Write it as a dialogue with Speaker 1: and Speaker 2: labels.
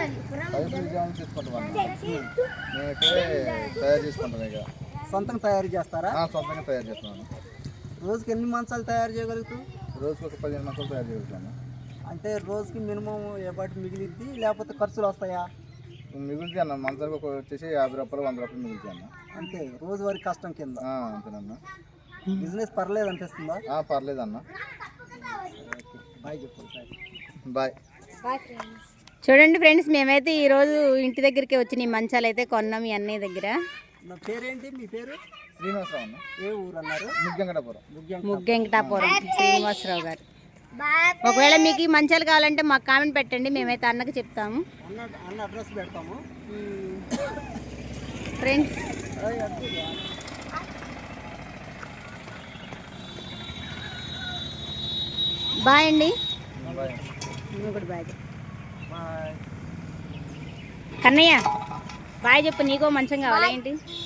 Speaker 1: తయారు చేసుకుంటాం ఇక
Speaker 2: సొంతంగా తయారు చేస్తారా?
Speaker 1: సొంతంగా తయారు చేస్తున్నాను.
Speaker 2: రోజుకి ఎన్ని మంచాలు తయారు చేయగలుగుతావు?
Speaker 1: రోజుకి ఒక 15 మంచాలు తయారు చేయగలుగుతాను.
Speaker 2: అంటే రోజుకి మినిమం ఏ పాటి మిగిలిద్ది, లేకపోతే ఖర్చులు వస్తాయా?
Speaker 1: మిగులుతాయి అన్న, మంచాలకు వచ్చేసి 50 రూపాయలు 100 రూపాయలు మిగులుతాయి అన్న.
Speaker 2: అంతే రోజువారీ కష్టం కింద.
Speaker 1: అంతేనన్నా.
Speaker 2: బిజినెస్ పర్లేదు అనిపిస్తుందా?
Speaker 1: పర్లేదు అన్న.
Speaker 2: బాయ్ చెప్పు.
Speaker 1: బాయ్.
Speaker 3: చూడండి ఫ్రెండ్స్, మేమైతే ఈరోజు ఇంటి దగ్గరికి వచ్చిన ఈ మంచాలు అయితే కొన్నాం ఈ అన్నయ్య దగ్గర.
Speaker 2: నా పేరేంటి? మీ పేరు?
Speaker 1: శ్రీనివాసరావు అన్న.
Speaker 2: ఏ ఊరు అన్నారు?
Speaker 3: ముగ్గెంకటాపురం శ్రీనివాసరావు గారు. ఒకవేళ మీకు ఈ మంచాలు కావాలంటే మాకు కామెంట్ పెట్టండి, మేమైతే అన్నకి చెప్తాము.
Speaker 2: అన్న అడ్రస్ పెడతాము
Speaker 3: ఫ్రెండ్స్. బాయ్ అండి. కూడా బాయ్ కన్నయ్య. బాయ్ చెప్పు, నీకో మంచం కావాలా ఏంటి?